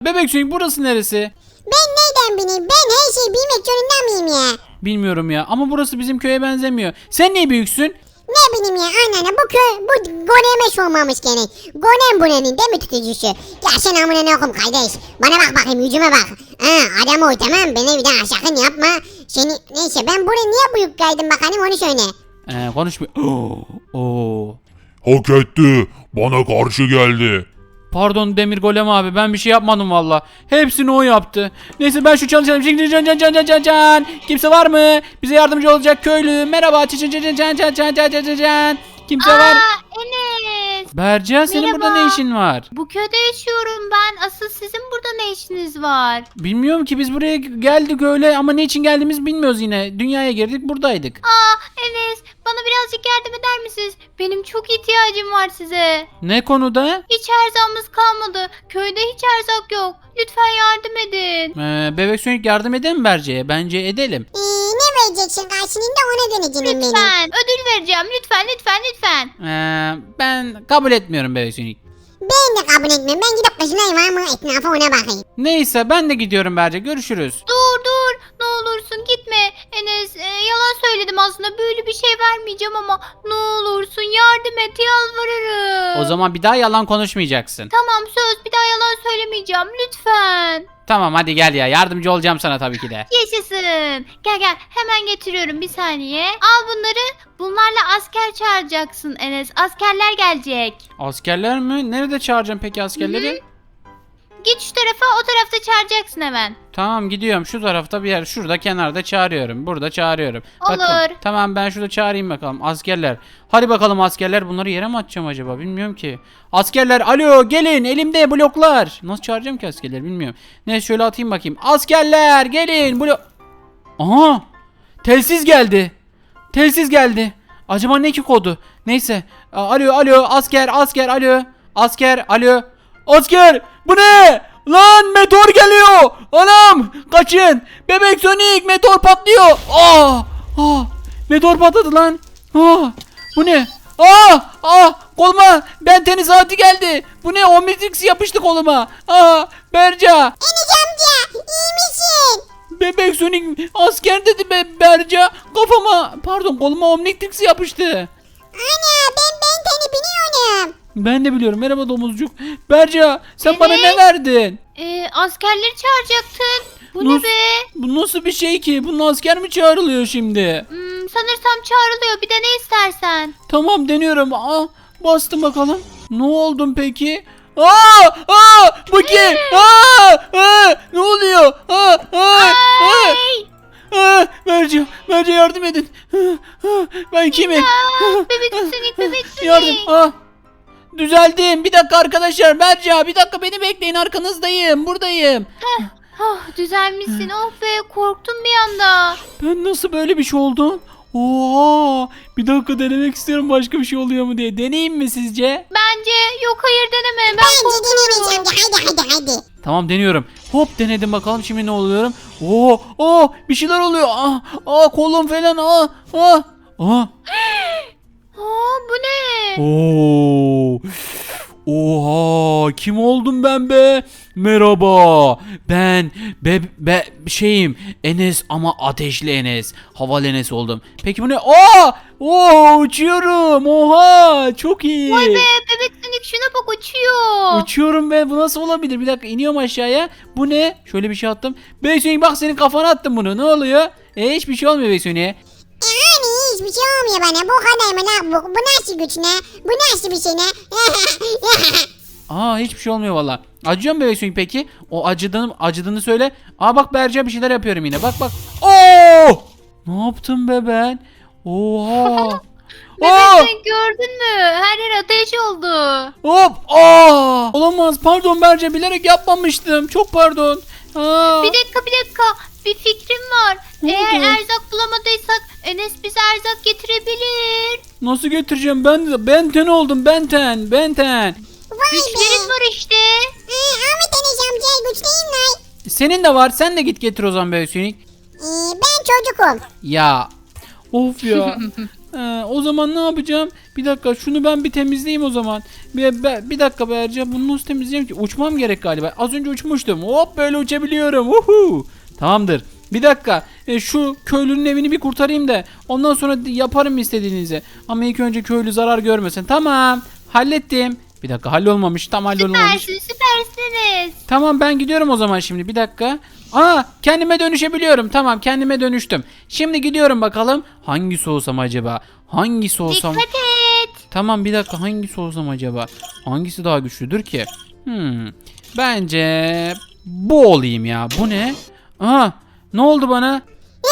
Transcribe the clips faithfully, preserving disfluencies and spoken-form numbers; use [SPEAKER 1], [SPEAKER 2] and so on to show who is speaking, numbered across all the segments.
[SPEAKER 1] Bebek Sonic burası neresi?
[SPEAKER 2] Ben neyden bileyim? Ben her şeyi bilmek zorunda mıyım ya?
[SPEAKER 1] Bilmiyorum ya ama burası bizim köye benzemiyor. Sen niye büyüksün?
[SPEAKER 2] Ne bileyim ya anneanne bu köy bu Gonem'e sormamış gene. Gonem buranın değil mi tutucusu? Ya sen amına ne okum kardeş. Bana bak bakayım yüzüme bak. Ha adam oy tamam beni bir daha sakın yapma. Seni neyse ben buraya niye büyük kaydım bakalım onu söyle.
[SPEAKER 1] Ee, konuşmuyor. Oo.
[SPEAKER 3] Hak etti. Bana karşı geldi.
[SPEAKER 1] Pardon Demir Golem abi ben bir şey yapmadım valla. Hepsini o yaptı. Neyse ben şu çalışalım. Can can can can can can. Kimse var mı? Bize yardımcı olacak köylü. Merhaba. Can can can can can can can can can. Kimse var?
[SPEAKER 4] Aa Enes.
[SPEAKER 1] Berca senin
[SPEAKER 4] Merhaba.
[SPEAKER 1] burada ne işin var?
[SPEAKER 4] Bu köyde yaşıyorum ben. Asıl sizin burada ne işiniz var?
[SPEAKER 1] Bilmiyorum ki biz buraya geldik öyle ama ne için geldiğimizi bilmiyoruz yine. Dünyaya girdik buradaydık.
[SPEAKER 4] Aa Enes bana birazcık yardım eder misiniz? Benim çok ihtiyacım var size.
[SPEAKER 1] Ne konuda?
[SPEAKER 4] Hiç erzağımız kalmadı. Köyde hiç erzak yok. Lütfen yardım edin.
[SPEAKER 1] Ee, Bebek Sonic yardım edelim mi Berce'ye? Bence edelim.
[SPEAKER 2] Ee, ne vereceksin karşılığında ona döneceğim benim.
[SPEAKER 4] Lütfen. Ödül vereceğim. Lütfen lütfen lütfen.
[SPEAKER 1] Ee, ben kabul etmiyorum Bebek Sonic.
[SPEAKER 2] Ben de kabul etmiyorum. Ben gidip kızına var mı etrafa ona bakayım.
[SPEAKER 1] Neyse ben de gidiyorum Berce. Görüşürüz.
[SPEAKER 4] Dur dur. Ne olursun gitme. Enes e, yalan söyledim aslında. Böyle bir şey vermeyeceğim ama ne olursun yardım et yalvarırım.
[SPEAKER 1] O zaman bir daha yalan konuşmayacaksın.
[SPEAKER 4] Tamam söz bir daha yalan söylemeyeceğim lütfen.
[SPEAKER 1] Tamam hadi gel ya. Yardımcı olacağım sana tabii ki de.
[SPEAKER 4] Yaşasın. Gel gel hemen getiriyorum bir saniye. Al bunları. Bunlarla asker çağıracaksın Enes. Askerler gelecek.
[SPEAKER 1] Askerler mi? Nerede çağıracağım peki askerleri?
[SPEAKER 4] Git şu tarafa o tarafta çağıracaksın hemen.
[SPEAKER 1] Tamam gidiyorum. Şu tarafta bir yer. Şurada kenarda çağırıyorum. Burada çağırıyorum.
[SPEAKER 4] Olur.
[SPEAKER 1] Bakın, tamam ben şurada çağırayım bakalım. Askerler. Hadi bakalım askerler. Bunları yere mi atacağım acaba? Bilmiyorum ki. Askerler alo gelin. Elimde bloklar. Nasıl çağıracağım ki askerleri bilmiyorum. Neyse şöyle atayım bakayım. Askerler gelin. Blok. Aha. Telsiz geldi. Telsiz geldi. Acaba ne ki kodu? Neyse. A- Alo alo asker asker alo. Asker alo. Asker bu ne? Lan meteor geliyor. Anam kaçın. Bebek Sonic meteor patlıyor. Aa, aa, meteor patladı lan. Aa, bu ne? Aa, aa, koluma ben tenis saati geldi. Bu ne? Omnitrix yapıştı koluma. Aa, Berca.
[SPEAKER 2] Enes amca iyi misin?
[SPEAKER 1] Bebek Sonic asker dedi be Berca. Kafama pardon koluma Omnitrix yapıştı.
[SPEAKER 2] Ana ben ben seni biliyorum.
[SPEAKER 1] Ben de biliyorum. Merhaba domuzcuk. Berca sen
[SPEAKER 4] Evet.
[SPEAKER 1] bana ne verdin?
[SPEAKER 4] Ee, askerleri çağıracaktın. Bu
[SPEAKER 1] Nasıl-
[SPEAKER 4] ne be?
[SPEAKER 1] Bu nasıl bir şey ki? Bunun asker mi çağrılıyor şimdi?
[SPEAKER 4] Hmm, sanırsam çağrılıyor. Bir de ne istersen.
[SPEAKER 1] Tamam deniyorum. Aa, bastım bakalım. Ne oldum peki? Aa! Aa! Bu kim? Aa! Aa! Ne oluyor? Aa! Aa! Aa!
[SPEAKER 4] Ay!
[SPEAKER 1] Aa! Berca, Berca yardım edin. Aa! Aa! Ben kimim?
[SPEAKER 4] Aa, bebek Sonic, bebek Sonic.
[SPEAKER 1] Yardım. Aa! Düzeldim. Bir dakika arkadaşlar. Berca bir dakika beni bekleyin. Arkanızdayım. Buradayım.
[SPEAKER 4] Oh, düzelmişsin. Oh be korktum bir anda.
[SPEAKER 1] Ben nasıl böyle bir şey oldu? Oha! Bir dakika denemek istiyorum başka bir şey oluyor mu diye. Deneyeyim mi sizce?
[SPEAKER 4] Bence yok hayır deneme. Ben
[SPEAKER 2] Bence
[SPEAKER 4] korkuyorum.
[SPEAKER 2] deneyeceğim amca hadi hadi hadi.
[SPEAKER 1] Tamam deniyorum. Hop denedim bakalım şimdi ne oluyorum. Oo! Oo! Bir şeyler oluyor. Ah! Ah kolum falan. Ah! Ah! Ah!
[SPEAKER 4] Aa, bu ne?
[SPEAKER 1] Oo! Oha! Kim oldum ben be? Merhaba. Ben be, be şeyim Enes ama ateşli Enes. Havalı Enes oldum. Peki bu ne? Aa! Oo! Uçuyorum. Oha! Çok iyi.
[SPEAKER 4] Vay be bebek Sonic şuna bak uçuyor.
[SPEAKER 1] Uçuyorum be. Bu nasıl olabilir? Bir dakika iniyorum aşağıya. Bu ne? Şöyle bir şey attım. Bebek Sonic bak senin kafana attım bunu. Ne oluyor? E hiçbir şey olmuyor Bebek Sonic'e.
[SPEAKER 2] Yani hiçbir şey olmuyor bana. Bu kadar mı lan? Bu, bu nasıl güç ne? Bu nasıl bir şey ne?
[SPEAKER 1] Aa hiçbir şey olmuyor valla. Acıyor mu Bebek Sonic peki? O acıdığını, acıdığını söyle. Aa bak Berca bir şeyler yapıyorum yine. Bak bak. Oo! Ne yaptım be ben? Oha!
[SPEAKER 4] Bebek
[SPEAKER 1] Aa!
[SPEAKER 4] Sonic gördün mü? Her yer ateş oldu.
[SPEAKER 1] Hop! Aa! Olamaz. Pardon Berca bilerek yapmamıştım. Çok pardon. Aa!
[SPEAKER 4] Bir dakika bir dakika. Bir fikrim var.
[SPEAKER 1] Ne
[SPEAKER 4] Eğer
[SPEAKER 1] oldu?
[SPEAKER 4] erzak bulamadıysak Enes bize erzak getirebilir.
[SPEAKER 1] Nasıl getireceğim? Ben Benten oldum. Benten. Benten.
[SPEAKER 2] Vay
[SPEAKER 4] Güçlerin
[SPEAKER 2] be.
[SPEAKER 4] var işte.
[SPEAKER 2] Ee, Ahmet Enes amca güçlüyüm lan.
[SPEAKER 1] Senin de var. Sen de git getir o zaman Bebek Sonic.
[SPEAKER 2] Ee, ben çocukum.
[SPEAKER 1] Ya. Of ya. Ee, o zaman ne yapacağım? Bir dakika şunu ben bir temizleyeyim o zaman. Bir, bir, bir dakika Berca, bunu nasıl temizleyeyim ki? Uçmam gerek galiba. Az önce uçmuştum. Hop böyle uçabiliyorum. Uhu. Tamamdır. Bir dakika. E, şu köylünün evini bir kurtarayım da ondan sonra yaparım istediğinizi. Ama ilk önce köylü zarar görmesin. Tamam. Hallettim. Bir dakika hallolmamış. Tam hallolmamış.
[SPEAKER 4] Süpersin, süpersiniz.
[SPEAKER 1] Tamam ben gidiyorum o zaman şimdi. Bir dakika. Aa kendime dönüşebiliyorum. Tamam kendime dönüştüm. Şimdi gidiyorum bakalım. Hangisi olsam acaba? Hangisi olsam?
[SPEAKER 4] Dikkat et.
[SPEAKER 1] Tamam bir dakika hangisi olsam acaba? Hangisi daha güçlüdür ki? Hmm. Bence bu olayım ya. Bu ne? Aha ne oldu bana?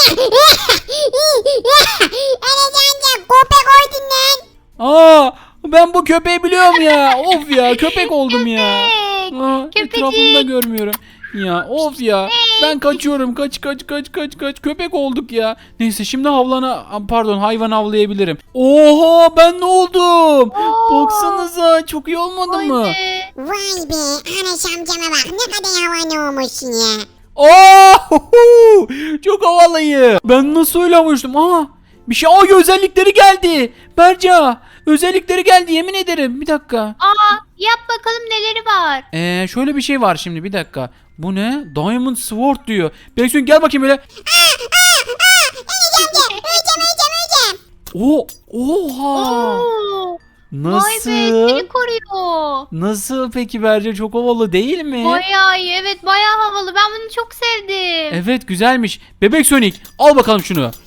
[SPEAKER 2] Enes amca köpek oydun lan.
[SPEAKER 1] Aa ben bu köpeği biliyorum ya. Of ya köpek oldum ya.
[SPEAKER 4] Köpek.
[SPEAKER 1] Aa,
[SPEAKER 4] Köpecik.
[SPEAKER 1] etrafımda görmüyorum. Ya of ya. Ben kaçıyorum. Kaç kaç kaç kaç kaç. Köpek olduk ya. Neyse şimdi havlana pardon hayvan avlayabilirim. Oha ben ne oldum? Baksanıza çok iyi olmadı
[SPEAKER 4] Vay
[SPEAKER 1] mı?
[SPEAKER 4] be.
[SPEAKER 2] Vay be Enes amcama bak ne kadar havalı olmuşsun ya.
[SPEAKER 1] Aa, çok havalıyım. Ben nasıl öyle uçtum? Aa, bir şey. Aa, özellikleri geldi. Berca, özellikleri geldi yemin ederim. Bir dakika.
[SPEAKER 4] Aa, yap bakalım neleri var.
[SPEAKER 1] Ee, şöyle bir şey var şimdi bir dakika. Bu ne? Diamond Sword diyor. Beksun gel bakayım böyle.
[SPEAKER 2] Enes amca öleceğim öleceğim öleceğim.
[SPEAKER 1] O, oha.
[SPEAKER 4] Oo. Vay be,
[SPEAKER 1] Nasıl?
[SPEAKER 4] seni koruyor.
[SPEAKER 1] Nasıl peki Berca, çok havalı değil mi?
[SPEAKER 4] Bayağı iyi, evet bayağı havalı. Ben bunu çok sevdim.
[SPEAKER 1] Evet güzelmiş. Bebek Sonic al bakalım şunu.
[SPEAKER 2] Ay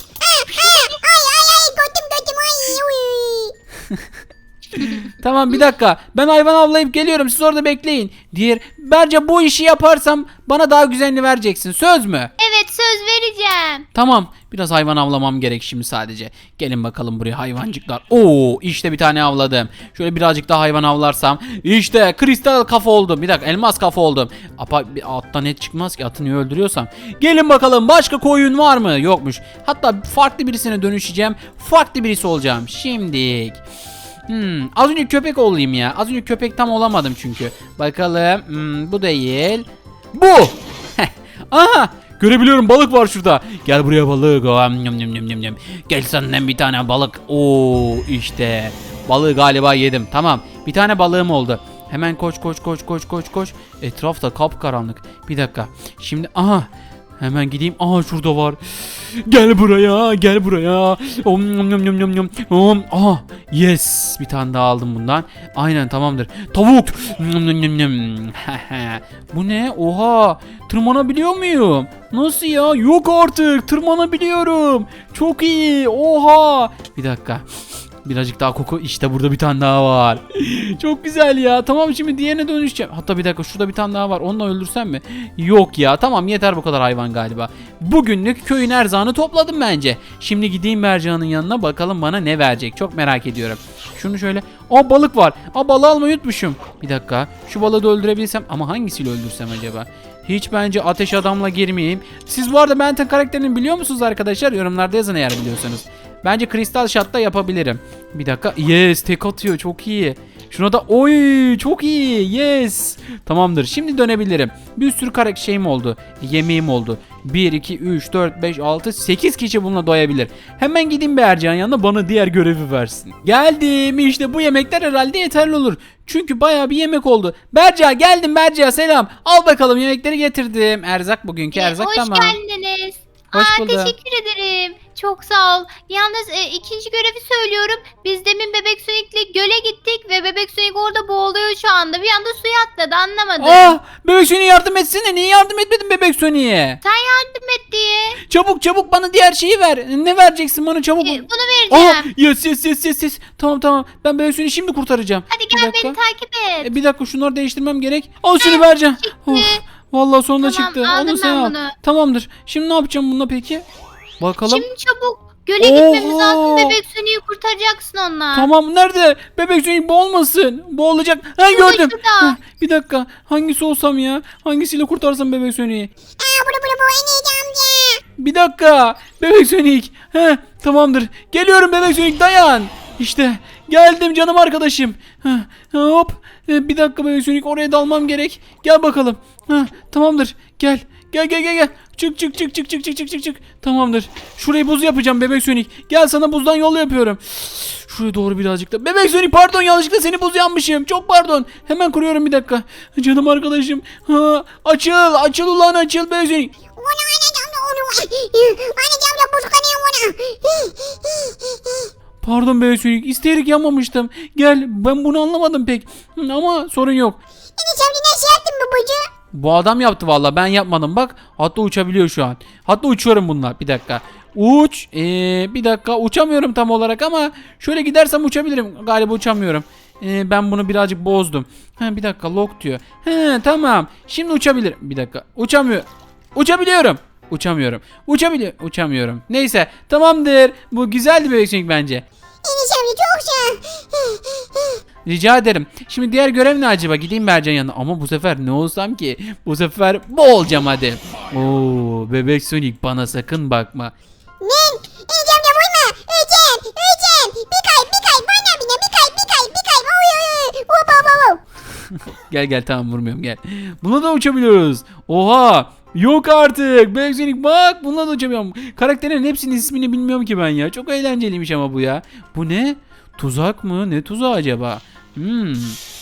[SPEAKER 2] ay ay götüm götüm ay. Uy.
[SPEAKER 1] Tamam bir dakika. Ben hayvan avlayıp geliyorum. Siz orada bekleyin. Diğer Berca bu işi yaparsam bana daha güzelini vereceksin. Söz mü?
[SPEAKER 4] Evet, söz vereceğim.
[SPEAKER 1] Tamam. Biraz hayvan avlamam gerek şimdi sadece. Gelin bakalım buraya hayvancıklar. Oo işte bir tane avladım. Şöyle birazcık daha hayvan avlarsam. İşte kristal kafa oldum. Bir dakika elmas kafa oldum. Apa, bir attan et çıkmaz ki, atını öldürüyorsam. Gelin bakalım başka koyun var mı? Yokmuş. Hatta farklı birisine dönüşeceğim. Farklı birisi olacağım. Şimdilik. Hmm, az önce köpek olayım ya. Az önce köpek tam olamadım çünkü. Bakalım. Hmm, bu değil. Bu. Aha. Görebiliyorum, balık var şurada. Gel buraya balık. Am, nyam, nyam, nyam, nyam, nyam. Gel senden bir tane balık. Oo işte. Balığı galiba yedim. Tamam. Bir tane balığım oldu. Hemen koş koş koş koş koş koş. Etrafta kapkaranlık. Bir dakika. Şimdi aha. Hemen gideyim. Aha şurada var. Gel buraya, gel buraya. Om nom nom nom nom nom. Om. Aha. Yes. Bir tane daha aldım bundan. Aynen tamamdır. Tavuk. Nom nom nom nom. Bu ne? Oha. Tırmanabiliyor muyum? Nasıl ya? Yok artık. Tırmanabiliyorum. Çok iyi. Oha. Bir dakika. Birazcık daha koku. İşte burada bir tane daha var. Çok güzel ya. Tamam şimdi diğerine dönüşeceğim. Hatta bir dakika şurada bir tane daha var. Onu da öldürsem mi? Yok ya. Tamam yeter bu kadar hayvan galiba. Bugünlük köyün erzağını topladım bence. Şimdi gideyim Mercan'ın yanına bakalım bana ne verecek. Çok merak ediyorum. Şunu şöyle. Aa balık var. Aa balığı almayı unutmuşum. Bir dakika. Şu balığı da öldürebilsem ama hangisiyle öldürsem acaba? Hiç bence ateş adamla girmeyeyim. Siz bu arada Benten karakterini biliyor musunuz arkadaşlar? Yorumlarda yazın eğer biliyorsanız. Bence kristal shot'ta yapabilirim. Bir dakika. Yes, tek atıyor. Çok iyi. Şuna da oy çok iyi. Yes. Tamamdır. Şimdi dönebilirim. Bir sürü karakter şeyim oldu. Yemeğim oldu. bir, iki, üç, dört, beş, altı, sekiz kişi bununla doyabilir. Hemen gideyim bir Ercan yanına bana diğer görevi versin. Geldim. İşte bu yemekler herhalde yeterli olur. Çünkü bayağı bir yemek oldu. Berca geldim Berca selam. Al bakalım yemekleri getirdim. Erzak bugünkü
[SPEAKER 4] Ee,
[SPEAKER 1] erzak
[SPEAKER 4] hoş
[SPEAKER 1] tamam.
[SPEAKER 4] geldiniz.
[SPEAKER 1] Hoş
[SPEAKER 4] Aa,
[SPEAKER 1] bulduk.
[SPEAKER 4] teşekkür ederim. Çok sağ ol. Yalnız e, ikinci görevi söylüyorum. Biz demin Bebek Sonic'le göle gittik ve Bebek Sonic orada boğuluyor şu anda. Bir anda suya atladı, anlamadım.
[SPEAKER 1] Ah Bebek Sony'e yardım etsene. Niye yardım etmedin Bebek Sony'e?
[SPEAKER 4] Sen yardım et diye.
[SPEAKER 1] Çabuk çabuk bana diğer şeyi ver. Ne vereceksin bana çabuk.
[SPEAKER 4] E, bunu
[SPEAKER 1] Aha
[SPEAKER 4] vereceğim.
[SPEAKER 1] yes yes yes yes yes. Tamam tamam. Ben Bebek Sony'yi şimdi kurtaracağım.
[SPEAKER 4] Hadi
[SPEAKER 1] Bir
[SPEAKER 4] gel
[SPEAKER 1] dakika.
[SPEAKER 4] beni takip et.
[SPEAKER 1] E, bir dakika şunları değiştirmem gerek. Al şunu vereceğim.
[SPEAKER 4] çıktı.
[SPEAKER 1] Of, vallahi sonunda
[SPEAKER 4] Tamam,
[SPEAKER 1] çıktı.
[SPEAKER 4] aldım
[SPEAKER 1] Onu sen
[SPEAKER 4] ben
[SPEAKER 1] al.
[SPEAKER 4] bunu.
[SPEAKER 1] Tamamdır. Şimdi ne yapacağım bununla peki? Bakalım.
[SPEAKER 4] Şimdi çabuk göle gitmemiz
[SPEAKER 1] Oha.
[SPEAKER 4] lazım. Bebek Sonic'i kurtaracaksın onunla.
[SPEAKER 1] Tamam nerede? Bebek Sonic boğulmasın. Boğulacak. Ha
[SPEAKER 4] Şurada,
[SPEAKER 1] gördüm.
[SPEAKER 4] şurada.
[SPEAKER 1] Ha, bir dakika. Hangisi olsam ya? Hangisiyle kurtarsam Bebek Sonic'i?
[SPEAKER 2] Aa bunu bunu bu Enes amca.
[SPEAKER 1] Bir dakika. Bebek Sonic. He, tamamdır. Geliyorum Bebek Sonic dayan. İşte geldim canım arkadaşım. Heh, hop. E, bir dakika Bebek Sonic oraya dalmam gerek. Gel bakalım. Heh, tamamdır. Gel. Gel gel gel gel. Çık çık çık çık çık çık çık çık çık. Tamamdır. Şurayı buz yapacağım bebek Sonic. Gel sana buzdan yol yapıyorum. Şuraya doğru birazcık da. Bebek Sonic pardon yanlışlıkla seni buz yanmışım. Çok pardon. Hemen kuruyorum bir dakika. Canım arkadaşım. Ha, açıl açıl ulan açıl bebek Sonic.
[SPEAKER 2] Onu anacığım da onu. Anacığım da buz kanıyor ona.
[SPEAKER 1] Pardon bebek Sonic isteyerek yanmamıştım. Gel ben bunu anlamadım pek. Hı, ama sorun yok.
[SPEAKER 2] Enes amca nasıl yaptın bu buzu?
[SPEAKER 1] Bu adam yaptı valla ben yapmadım bak. Hatta uçabiliyor şu an. Hatta uçuyorum bununla bir dakika. Uç. Ee, bir dakika uçamıyorum tam olarak ama şöyle gidersem uçabilirim. Galiba uçamıyorum. Ee, ben bunu birazcık bozdum. Ha, bir dakika lock diyor. He tamam. Şimdi uçabilirim. Bir dakika. Uçamıyor. Uçabiliyorum. Uçamıyorum. Uçabiliyor. Uçamıyorum. Neyse tamamdır. Bu güzeldi bebek Sonic bence.
[SPEAKER 2] Enes amca çok sağ.
[SPEAKER 1] Rica ederim. Şimdi diğer görev ne acaba? Gideyim Bercan yanına. Ama bu sefer ne olsam ki? Bu sefer bu olacağım hadi. Oo, bebek Sonic bana sakın bakma.
[SPEAKER 2] Ne? Enes amca vurma. Öleceğim. Öleceğim. Bir kay bir kay. Bana bine bir kay bir kay bir kay. Oy oy oy. Hop hop hop.
[SPEAKER 1] Gel gel tamam vurmuyorum gel. Buna da uçabiliyoruz. Oha. Yok artık. Bebek Sonic bak bununla da uçamıyorum. Karakterlerin hepsinin ismini bilmiyorum ki ben ya. Çok eğlenceliymiş ama bu ya. Bu ne? Tuzak mı? Ne tuzağı acaba? Hmm.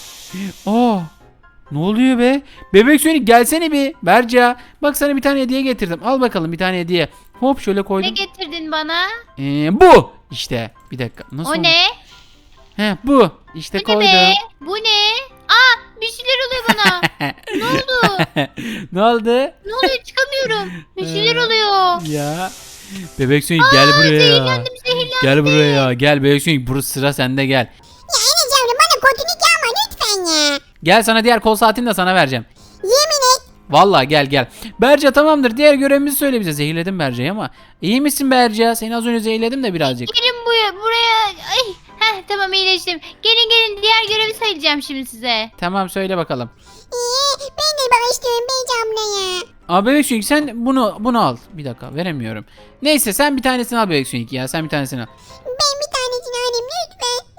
[SPEAKER 1] Oh. Ne oluyor be? Bebek Sonic gelsene bir. Berca. Bak sana bir tane hediye getirdim. Al bakalım bir tane hediye. Hop şöyle
[SPEAKER 4] Ne
[SPEAKER 1] koydum.
[SPEAKER 4] getirdin bana?
[SPEAKER 1] Ee, bu. İşte. Bir dakika. Nasıl
[SPEAKER 4] O
[SPEAKER 1] oldu?
[SPEAKER 4] ne?
[SPEAKER 1] He bu. İşte
[SPEAKER 4] Bu ne
[SPEAKER 1] koydum.
[SPEAKER 4] be? Bu ne? Aa bir şeyler oluyor bana. Ne oldu?
[SPEAKER 1] Ne oldu?
[SPEAKER 4] Ne oluyor çıkamıyorum. Bir şeyler
[SPEAKER 1] Ee,
[SPEAKER 4] oluyor.
[SPEAKER 1] Ya. Bebek Sonic gel buraya.
[SPEAKER 4] Zehirlendim zehirlendim.
[SPEAKER 1] Gel buraya. Gel Bebek Sonic burası sıra sende gel.
[SPEAKER 2] Ya Enes amca bana kötülük yapma lütfen ya.
[SPEAKER 1] Gel sana diğer kol saatini de sana vereceğim.
[SPEAKER 2] Yemin et.
[SPEAKER 1] Vallahi gel gel. Berca tamamdır. Diğer görevimizi söyle bize. Zehirledim Berca'yı ama. İyi misin Berca? Seni az önce zehirledim de birazcık.
[SPEAKER 4] Gelin buraya. buraya. Ay. Heh, tamam iyileştim. Gelin gelin diğer görevi söyleyeceğim şimdi size.
[SPEAKER 1] Tamam söyle bakalım.
[SPEAKER 2] Ee, ben de bak istiyorum Beyci abla ya.
[SPEAKER 1] Aa Bebek Sonic sen bunu bunu al. Bir dakika veremiyorum. Neyse sen bir tanesini al Bebek Sonic ya. Sen bir tanesini al.
[SPEAKER 2] Ben bir tanesini alayım lütfen.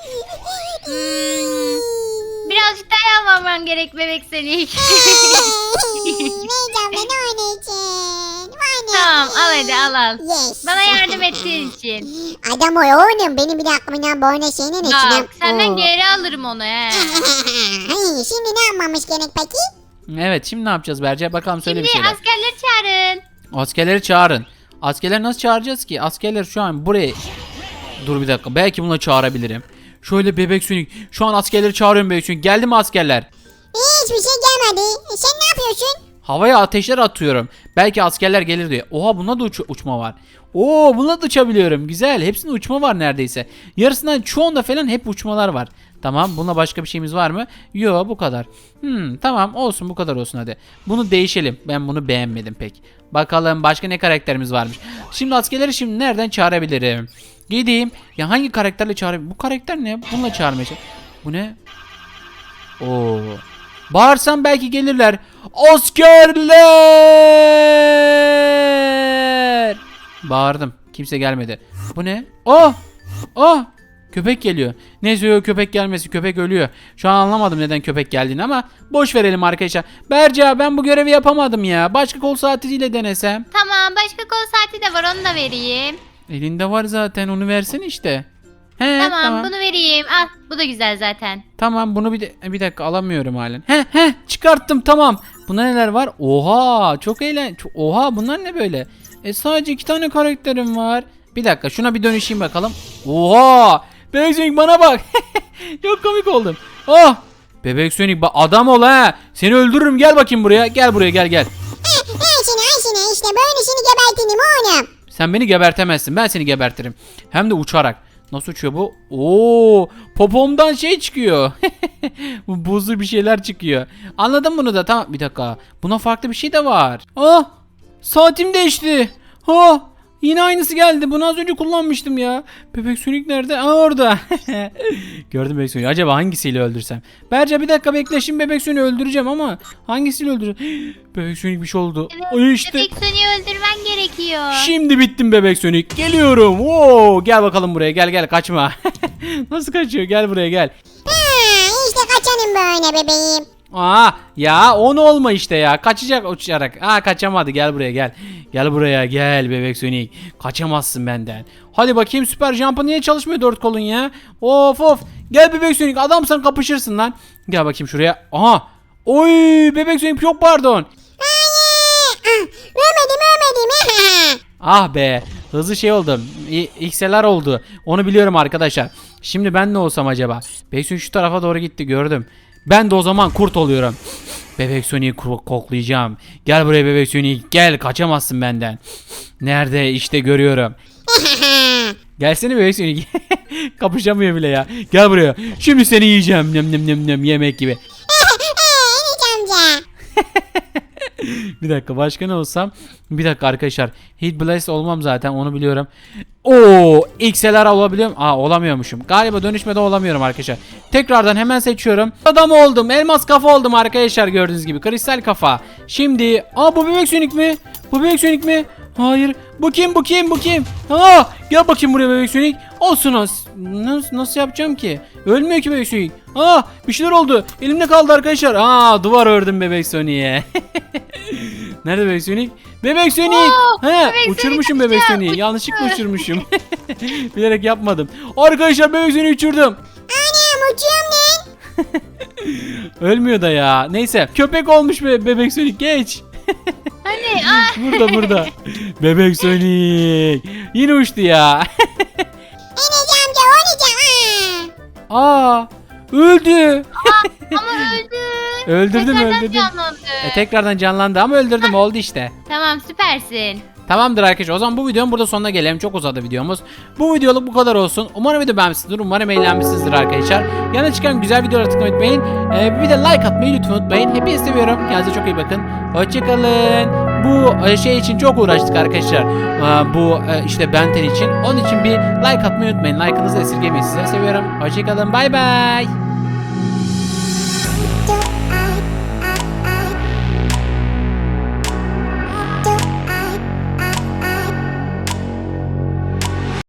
[SPEAKER 4] Hmm, birazcık daha yalvarman gerek bebek Sonic.
[SPEAKER 2] Beyci abla ne onun için? Var ne?
[SPEAKER 4] Tamam al hadi al al.
[SPEAKER 2] Yes.
[SPEAKER 4] Bana yardım ettiğin için.
[SPEAKER 2] Adam o oğlum benim bir aklımdan böyle şeyine ne
[SPEAKER 4] Bak senden
[SPEAKER 2] Oo.
[SPEAKER 4] geri alırım onu he.
[SPEAKER 2] Hey, şimdi ne yapmamız gerek peki?
[SPEAKER 1] Evet şimdi ne yapacağız Berca? Bakalım söyle
[SPEAKER 4] Şimdi
[SPEAKER 1] bir şeyler.
[SPEAKER 4] askerleri çağırın.
[SPEAKER 1] Askerleri çağırın. Askerleri nasıl çağıracağız ki? Askerler şu an buraya... Dur bir dakika. Belki bunu çağırabilirim. Şöyle Bebek Sonic. Şu an askerleri çağırıyorum Bebek Sonic. Geldi mi askerler?
[SPEAKER 2] Hiçbir şey gelmedi. E, sen ne yapıyorsun?
[SPEAKER 1] Havaya ateşler atıyorum. Belki askerler gelir diye. Oha bunda da uç- uçma var. Oo bunda da uçabiliyorum. Güzel. Hepsinde uçma var neredeyse. Yarısından çoğunda falan hep uçmalar var. Tamam. Buna başka bir şeyimiz var mı? Yok bu kadar. Hmm, tamam olsun bu kadar olsun hadi. Bunu değişelim. Ben bunu beğenmedim pek. Bakalım başka ne karakterimiz varmış. Şimdi askerleri şimdi nereden çağırabilirim? Gideyim. Ya hangi karakterle çağırayım? Bu karakter ne? Bununla çağırmaya çalış- Bu ne? Oo. Bağırsam belki gelirler. Askerler! Bağırdım. Kimse gelmedi. Bu ne? Oh! Oh! Köpek geliyor. Neyse yok köpek gelmesi. Köpek ölüyor. Şu an anlamadım neden köpek geldiğini ama boş verelim arkadaşlar. Berca ben bu görevi yapamadım ya. Başka kol saatiyle denesem.
[SPEAKER 4] Tamam başka kol saati de var onu da vereyim.
[SPEAKER 1] Elinde var zaten onu versin işte. He,
[SPEAKER 4] Tamam,
[SPEAKER 1] tamam.
[SPEAKER 4] bunu vereyim. Al bu da güzel zaten.
[SPEAKER 1] Tamam bunu bir de bir dakika alamıyorum halen. He he çıkarttım tamam. Bunda neler var? Oha çok eğlen. çok- Oha bunlar ne böyle? E sadece iki tane karakterim var. Bir dakika şuna bir dönüşeyim bakalım. Oha! Bebek Sonic bana bak. Çok komik oldum. Oh! Bebek Sonic bak adam ol ha. Seni öldürürüm gel bakayım buraya. Gel buraya gel gel.
[SPEAKER 2] Ha, al seni al seni işte böyle seni gebertinim oğlum.
[SPEAKER 1] Sen beni gebertemezsin. Ben seni gebertirim. Hem de uçarak. Nasıl uçuyor bu? Oo, popomdan şey çıkıyor. Bu buzlu bir şeyler çıkıyor. Anladım bunu da. Tamam bir dakika. Buna farklı bir şey de var. Ah! Saatim değişti. Ah! Yine aynısı geldi. Bunu az önce kullanmıştım ya. Bebek Sonic nerede? Aa orada. Gördüm Bebek Sonic'i. Acaba hangisiyle öldürsem? Berce bir dakika bekle. Şimdi Bebek Sonic'i öldüreceğim ama hangisiyle öldüreceğim? Bebek Sonic bir şey oldu.
[SPEAKER 4] Evet,
[SPEAKER 1] Ay işte.
[SPEAKER 4] Bebek Sonic'i öldürmen gerekiyor.
[SPEAKER 1] Şimdi bittim Bebek Sonic. Geliyorum. Oo, gel bakalım buraya. Gel gel kaçma. Nasıl kaçıyor? Gel buraya gel.
[SPEAKER 2] Ha, işte kaçanım böyle bebeğim.
[SPEAKER 1] Aa ya on olma işte ya. Kaçacak uçarak. Aa kaçamadı. Gel buraya gel. Gel buraya gel bebek Sonic. Kaçamazsın benden. Hadi bakayım süper jump'ı niye çalışmıyor dört kolun ya? Of of. Gel bebek Sonic. Adamsan kapışırsın lan. Gel bakayım şuraya. Aha. Oy bebek Sonic çok pardon.
[SPEAKER 2] Ölmedim ölmedim.
[SPEAKER 1] Ah be. Hızlı şey oldum. İ- X L R oldu. Onu biliyorum arkadaşlar. Şimdi ben ne olsam acaba? Bebek Sonic şu tarafa doğru gitti gördüm. Ben de o zaman kurt oluyorum. Bebek Sonic'i ko- koklayacağım. Gel buraya bebek Sonic. Gel kaçamazsın benden. Nerede? İşte görüyorum. Gelsene bebek Sonic. Kapışamıyor bile ya. Gel buraya. Şimdi seni yiyeceğim. Nem nem nem nem yemek gibi.
[SPEAKER 2] Enes amca.
[SPEAKER 1] Bir dakika başka ne olsam? Bir dakika arkadaşlar. Hit Blast olmam zaten onu biliyorum. Oo, X L R olabiliyorum. Aa olamıyormuşum. Galiba dönüşmede olamıyorum arkadaşlar. Tekrardan hemen seçiyorum. Adam oldum. Elmas kafa oldum arkadaşlar gördüğünüz gibi. Kristal kafa. Şimdi aa bu bebek Sonic mi? Bu bebek Sonic mi? Hayır. Bu kim? Bu kim? Bu kim? Aa gel bakayım buraya bebek Sonic. Olsun az. Nasıl, nasıl yapacağım ki? Ölmüyor ki bebek Sonic. Aa bir şeyler oldu. Elimde kaldı arkadaşlar. Aa duvar ördüm bebek Sonic'e. Nerede bebek Sonic? Bebek Sonic.
[SPEAKER 4] Oo,
[SPEAKER 1] He,
[SPEAKER 4] bebek
[SPEAKER 1] uçurmuşum
[SPEAKER 4] Sonic
[SPEAKER 1] bebek
[SPEAKER 4] kaçıyor,
[SPEAKER 1] Sonic'i. Yanlışlıkla uçurmuşum. Bilerek yapmadım. Arkadaşlar bebek Sonic'i uçurdum.
[SPEAKER 2] Anam uçuyorum lan.
[SPEAKER 1] Ölmüyor da ya. Neyse köpek olmuş be bebek Sonic geç.
[SPEAKER 4] Hani ah.
[SPEAKER 1] Burada burada. Bebek Sonic. Yine uçtu ya.
[SPEAKER 2] Enes amca oynayacağım.
[SPEAKER 1] Aa öldü.
[SPEAKER 4] Ama öldü.
[SPEAKER 1] Öldürdüm
[SPEAKER 4] Tekrardan
[SPEAKER 1] öldürdüm.
[SPEAKER 4] canlandı.
[SPEAKER 1] E, tekrardan canlandı ama öldürdüm oldu işte.
[SPEAKER 4] Tamam süpersin.
[SPEAKER 1] Tamamdır arkadaşlar o zaman bu videonun burada sonuna gelelim. Çok uzadı videomuz. Bu videoluk bu kadar olsun. Umarım video beğenmişsinizdir. Umarım eğlenmişsinizdir arkadaşlar. Yanına çıkan güzel videolara tıklamayı unutmayın. Ee, bir de like atmayı lütfen unutmayın. Hepinizi seviyorum. Kendinize çok iyi bakın. Hoşçakalın. Bu e, şey için çok uğraştık arkadaşlar. Ee, bu e, işte Benten için. Onun için bir like atmayı unutmayın. Like'ınızı esirgemeyin. Size seviyorum. Hoşçakalın. Bay bay.